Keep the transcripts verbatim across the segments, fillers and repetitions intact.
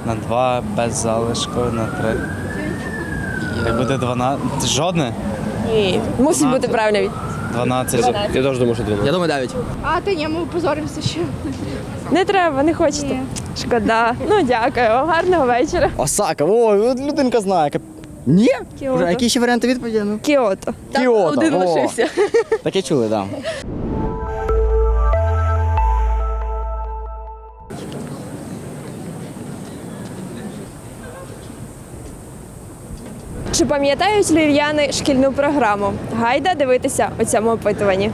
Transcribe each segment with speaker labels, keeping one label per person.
Speaker 1: На два без залишку, на три. Як буде дванадцять? Жодне?
Speaker 2: Ні. Мусить бути правильна відповідь.
Speaker 1: дванадцять.
Speaker 3: Я теж думаю, що дванадцять.
Speaker 4: Я думаю, дев'ять.
Speaker 5: А, та ні, ми позоримося ще.
Speaker 2: Не треба, не хочете. Шкода. Ну, дякую. Гарного вечора.
Speaker 4: Осака, ой, от людинка знає. Кап- Ні?
Speaker 2: Кіото.
Speaker 4: Вже, які ще варіанти відповіді? Ну?
Speaker 2: Кіото.
Speaker 4: Кіото.
Speaker 2: Один
Speaker 4: о.
Speaker 2: лишився.
Speaker 4: Таке чули, так. Да.
Speaker 2: Чи пам'ятають львів'яни шкільну програму? Гайда дивитися у цьому опитуванні.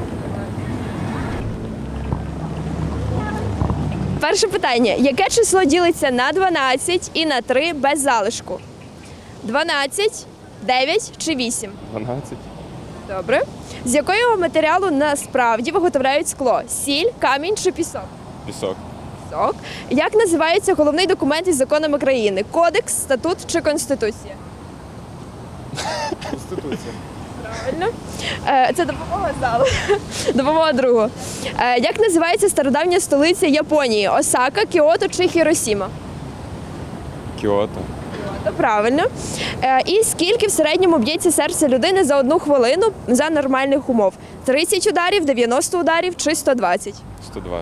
Speaker 2: Перше питання. Яке число ділиться на дванадцять і на три без залишку? дванадцять, дев'ять чи вісім?
Speaker 3: дванадцять.
Speaker 2: Добре. З якого матеріалу насправді виготовляють скло? Сіль, камінь чи пісок?
Speaker 3: Пісок.
Speaker 2: Пісок. Як називається головний документ із законами країни? Кодекс, статут чи конституція?
Speaker 3: Конституція.
Speaker 2: Правильно. Е, Це допомога залу. Допомога другу. Е, Як називається стародавня столиця Японії? Осака, Кіото чи Хіросіма?
Speaker 3: Кіото.
Speaker 2: Кіото, правильно. Е, І скільки в середньому б'ється серце людини за одну хвилину за нормальних умов? тридцять ударів, дев'яносто ударів чи сто двадцять?
Speaker 3: сто двадцять.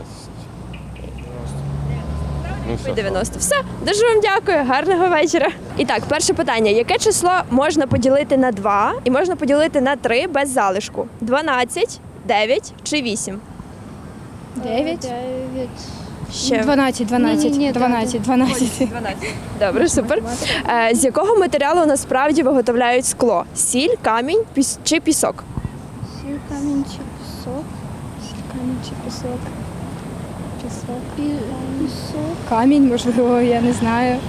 Speaker 3: Ну, все.
Speaker 2: дев'яносто. Все. Дуже вам дякую. Гарного вечора. І так, перше питання. Яке число можна поділити на два і можна поділити на три без залишку? дванадцять, дев'ять чи вісім?
Speaker 5: Дев'ять.
Speaker 2: Ще.
Speaker 5: Дванадцять, дванадцять,
Speaker 6: Ні-ні-ні,
Speaker 5: дванадцять, дванадцять.
Speaker 2: Добре, супер. Е, З якого матеріалу насправді виготовляють скло? Сіль, камінь піс- чи пісок?
Speaker 6: Сіль, камінь чи пісок? Сіль, камінь чи пісок? Пісок. Пі- Пісок.
Speaker 5: Камінь, можливо, я не знаю.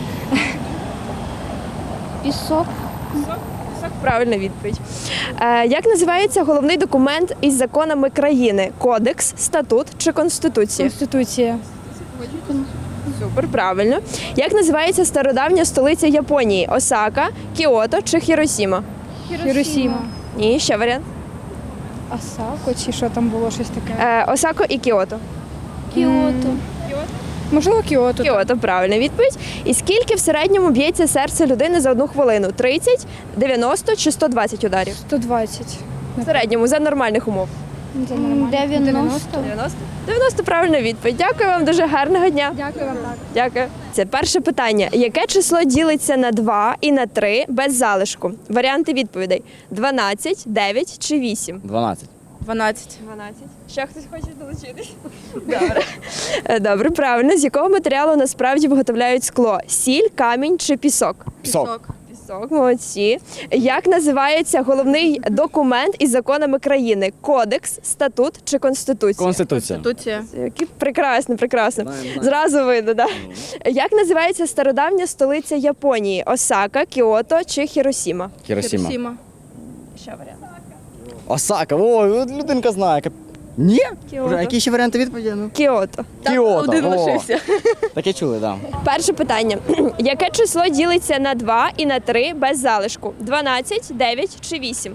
Speaker 6: Пісок.
Speaker 2: Пісок, правильна відповідь. Е, Як називається головний документ із законами країни? Кодекс, статут чи конституція?
Speaker 5: Конституція.
Speaker 2: Супер, правильно. Як називається стародавня столиця Японії? Осака, Кіото чи Хіросіма?
Speaker 5: Хіросіма.
Speaker 2: Ні, ще варіант.
Speaker 5: Осако, чи що там було щось таке?
Speaker 2: Е, Осако і Кіото.
Speaker 6: Кіото.
Speaker 5: Можливо, Кіото.
Speaker 2: Кіото, правильна відповідь. І скільки в середньому б'ється серце людини за одну хвилину? тридцять, дев'яносто чи сто двадцять ударів?
Speaker 5: сто двадцять.
Speaker 2: В середньому, за нормальних умов.
Speaker 5: Це нормально.
Speaker 6: дев'яносто.
Speaker 2: дев'яносто? дев'яносто правильна відповідь. Дякую вам дуже гарного дня.
Speaker 5: Дякую вам так.
Speaker 2: Дякую. Це перше питання. Яке число ділиться на два і на три без залишку? Варіанти відповідей: дванадцять, дев'ять чи вісім?
Speaker 4: дванадцять.
Speaker 2: дванадцять. дванадцять. Ще хтось хоче долучитись? Добре. Е, Добре, правильно. З якого матеріалу насправді виготовляють скло? Сіль, камінь чи пісок?
Speaker 4: Пісок.
Speaker 2: Пісок, молодці. Як називається головний документ із законами країни? Кодекс, статут чи конституція?
Speaker 4: Конституція.
Speaker 2: Які прекрасно, прекрасно. Зразу видно, так? Як називається стародавня столиця Японії? Осака, Кіото чи Хіросіма?
Speaker 4: Хіросіма.
Speaker 2: Ще варіант.
Speaker 4: Осака, ой, от людинка знає. Кап- Ні?
Speaker 2: Кіото.
Speaker 4: Вже, які ще варіанти відповіді? Ну?
Speaker 2: Кіото.
Speaker 4: Кіото.
Speaker 2: Один
Speaker 4: о.
Speaker 2: лишився.
Speaker 4: Таке чули, так. Да.
Speaker 2: Перше питання. Яке число ділиться на два і на три без залишку? дванадцять, дев'ять чи вісім?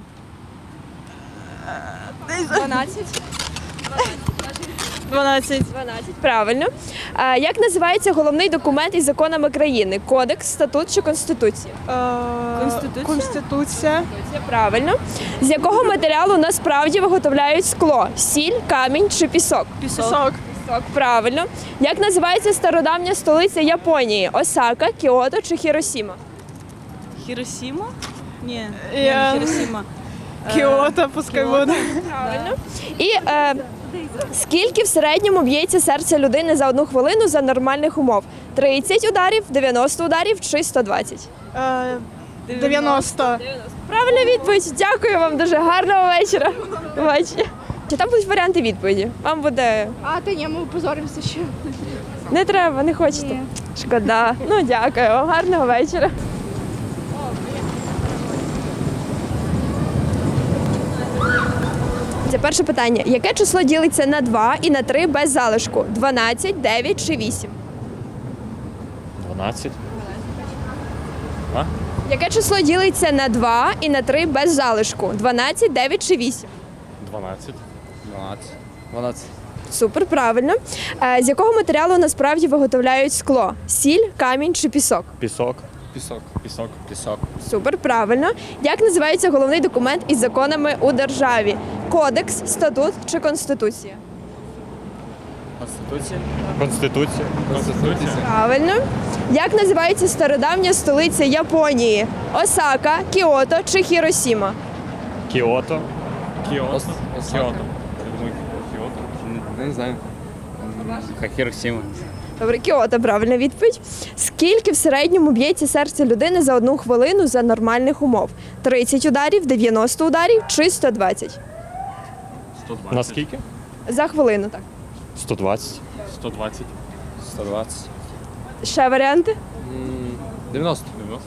Speaker 2: дванадцять. дванадцять. дванадцять, правильно. А, як називається головний документ із законами країни? Кодекс, статут чи конституція?
Speaker 7: Конституція. Конституція.
Speaker 2: Це правильно. З якого матеріалу насправді виготовляють скло? Сіль, камінь чи пісок?
Speaker 7: Пісок.
Speaker 2: Пісок, правильно. Як називається стародавня столиця Японії? Осака, Кіото чи Хіросіма?
Speaker 7: Хіросіма? Ні, Я- не Хіросіма. Кіото, пускай буде.
Speaker 2: Правильно. І е, скільки в середньому б'ється серце людини за одну хвилину за нормальних умов? тридцять ударів, дев'яносто ударів чи сто двадцять?
Speaker 7: Е, дев'яносто.
Speaker 2: Правильна відповідь. Дякую вам дуже. Гарного вечора. До побачення. Чи там будуть варіанти відповіді? Вам буде...
Speaker 5: А, та ні, ми позоримося ще.
Speaker 2: Не треба, не хочете. Шкода. Ну, дякую вам. Гарного вечора. Це перше питання. Яке число ділиться на два і на три без залишку? дванадцять, дев'ять чи вісім?
Speaker 3: дванадцять.
Speaker 2: Яке число ділиться на два і на три без залишку? дванадцять, дев'ять чи вісім?
Speaker 3: дванадцять.
Speaker 4: дванадцять. дванадцять.
Speaker 2: Супер, правильно. Е, з якого матеріалу насправді виготовляють скло? Сіль, камінь чи пісок?
Speaker 3: Пісок.
Speaker 4: Пісок. Пісок. Пісок.
Speaker 2: Супер, правильно. Як називається головний документ із законами у державі? Кодекс, статут чи конституція?
Speaker 4: Конституція.
Speaker 3: Конституція. Конституція.
Speaker 2: Правильно. Як називається стародавня столиця Японії? Осака, Кіото чи Хіросіма?
Speaker 3: Кіото. Кіото.
Speaker 4: Ос- Осака.
Speaker 3: Кіото. Я думаю, Кіото.
Speaker 4: Не, не знаю. Хай Хіросіма.
Speaker 2: Добре, Кіото, правильна відповідь. Скільки в середньому б'ється серце людини за одну хвилину за нормальних умов? тридцять ударів, дев'яносто ударів чи сто двадцять?
Speaker 3: Наскільки?
Speaker 2: За хвилину, так.
Speaker 3: сто двадцять. сто двадцять.
Speaker 4: сто двадцять.
Speaker 2: Ще варіанти?
Speaker 4: дев'яносто.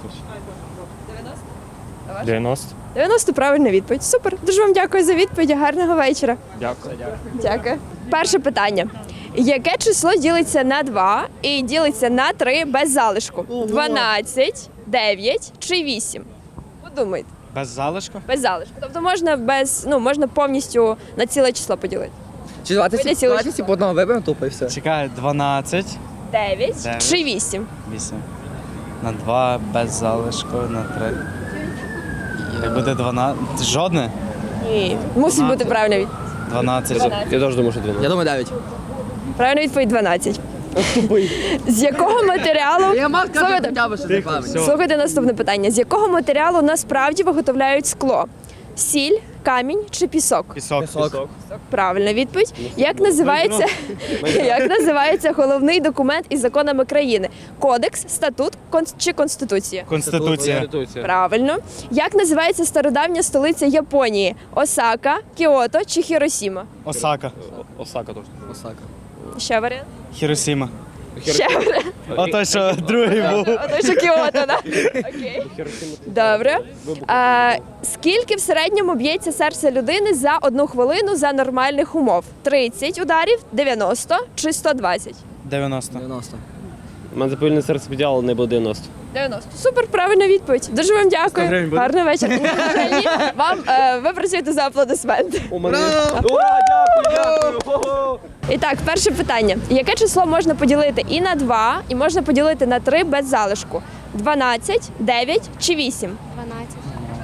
Speaker 3: дев'яносто.
Speaker 2: дев'яносто правильна відповідь. Супер. Дуже вам дякую за відповідь. Гарного вечора.
Speaker 3: Дякую.
Speaker 2: Дякую. Перше питання. Яке число ділиться на два і ділиться на три без залишку? дванадцять, дев'ять чи вісім? Подумайте.
Speaker 1: Без залишку?
Speaker 2: Без залишку. Тобто можна без, ну, можна повністю на ціле число поділити.
Speaker 4: Чи
Speaker 2: Вийде
Speaker 4: двадцять?
Speaker 2: ціле
Speaker 4: двадцять
Speaker 2: число.
Speaker 4: по одному виберемо тупо і все.
Speaker 1: Чекай, дванадцять,
Speaker 2: дев'ять
Speaker 1: Дев'ять.
Speaker 2: чи вісім?
Speaker 1: вісім. На два без залишку, на три. Як буде дванадцять? Жодне?
Speaker 2: Ні. Мусить бути правильна відповідь.
Speaker 1: дванадцять.
Speaker 3: Я теж думаю, що дванадцять.
Speaker 4: Я думаю, дев'ять.
Speaker 2: Правильна відповідь дванадцять. З якого матеріалу?
Speaker 4: Я мав сказати
Speaker 2: Слухайте,
Speaker 4: хоча б, що це правильно.
Speaker 2: Слухайте наступне питання. З якого матеріалу насправді виготовляють скло? Сіль, камінь чи пісок?
Speaker 1: Пісок.
Speaker 4: Пісок.
Speaker 2: Правильна відповідь. Як називається, як називається головний документ із законами країни? Кодекс, статут кон- чи конституція?
Speaker 1: Конституція.
Speaker 2: Правильно. Як називається стародавня столиця Японії? Осака, Кіото чи Хіросіма?
Speaker 1: Осака.
Speaker 3: Осака точно.
Speaker 4: Осака.
Speaker 2: Ще варіант?
Speaker 1: Хіросіма.
Speaker 2: Ще варіант.
Speaker 1: Ото що другий був.
Speaker 2: Ото що Кіото, так? Окей. Добре. А, скільки в середньому б'ється серце людини за одну хвилину за нормальних умов? тридцять ударів, дев'яносто чи сто двадцять?
Speaker 1: дев'яносто.
Speaker 4: дев'яносто.
Speaker 3: У мене запильне серце підняло, не було дев'яносто.
Speaker 2: дев'яносто. Супер, правильна відповідь. Дуже вам дякую.
Speaker 3: гривень буде?
Speaker 2: Гарний вечір. Ні, вже ні. Вам е, ви працюєте за аплодисменти.
Speaker 3: У мене. Ура, дякую, дякую.
Speaker 2: І так, перше питання. Яке число можна поділити і на два, і можна поділити на три без залишку? дванадцять, дев'ять чи вісім?
Speaker 6: дванадцять.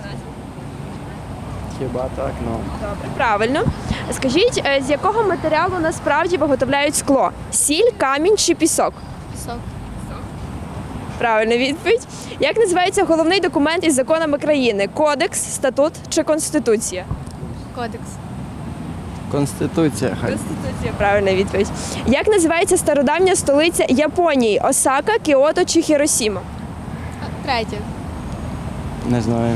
Speaker 1: Хіба так, ну.
Speaker 2: Добре, правильно. Скажіть, е, з якого матеріалу насправді виготовляють скло? Сіль, камінь чи пісок?
Speaker 6: Пісок.
Speaker 2: Правильна відповідь. Як називається головний документ із законами країни? Кодекс, статут чи конституція?
Speaker 6: Кодекс.
Speaker 4: Конституція хай.
Speaker 2: Конституція, правильна відповідь. Як називається стародавня столиця Японії? Осака, Кіото чи Хіросіма?
Speaker 6: Третє.
Speaker 4: Не знаю.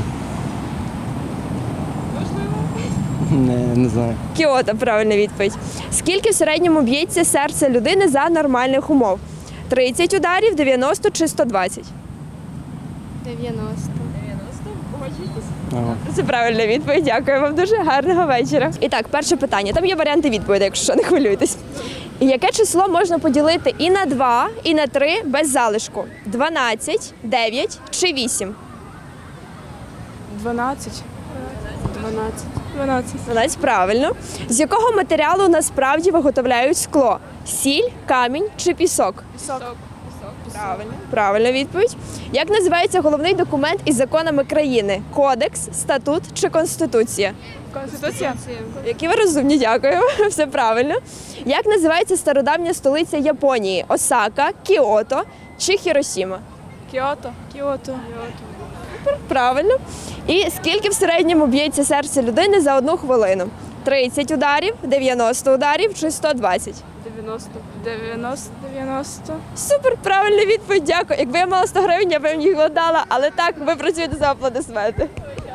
Speaker 4: Не, не знаю.
Speaker 2: Кіото, правильна відповідь. Скільки в середньому б'ється серце людини за нормальних умов? тридцять ударів, дев'яносто чи сто двадцять?
Speaker 6: дев'яносто.
Speaker 4: Ага.
Speaker 2: Це правильна відповідь. Дякую вам дуже. Гарного вечора. І так, перше питання. Там є варіанти відповіді, якщо що, не хвилюйтесь. Яке число можна поділити і на два, і на три без залишку? дванадцять, дев'ять чи вісім?
Speaker 7: дванадцять. дванадцять. дванадцять.
Speaker 2: дванадцять, правильно. З якого матеріалу насправді виготовляють скло? Сіль, камінь чи пісок?
Speaker 7: Пісок.
Speaker 2: Правильно. Правильна відповідь. Як називається головний документ із законами країни? Кодекс, статут чи конституція?
Speaker 7: Конституція.
Speaker 2: Які ви розумні, дякую. Все правильно. Як називається стародавня столиця Японії? Осака, Кіото чи Хіросіма?
Speaker 7: Кіото. Кіото.
Speaker 2: Правильно. І скільки в середньому б'ється серце людини за одну хвилину? тридцять ударів, дев'яносто ударів чи сто двадцять?
Speaker 7: дев'яносто. дев'яносто. дев'яносто.
Speaker 2: Супер, правильна відповідь, дякую. Якби я мала сто гривень, я б їм їх дала, але так, ви працюєте за аплодисменти.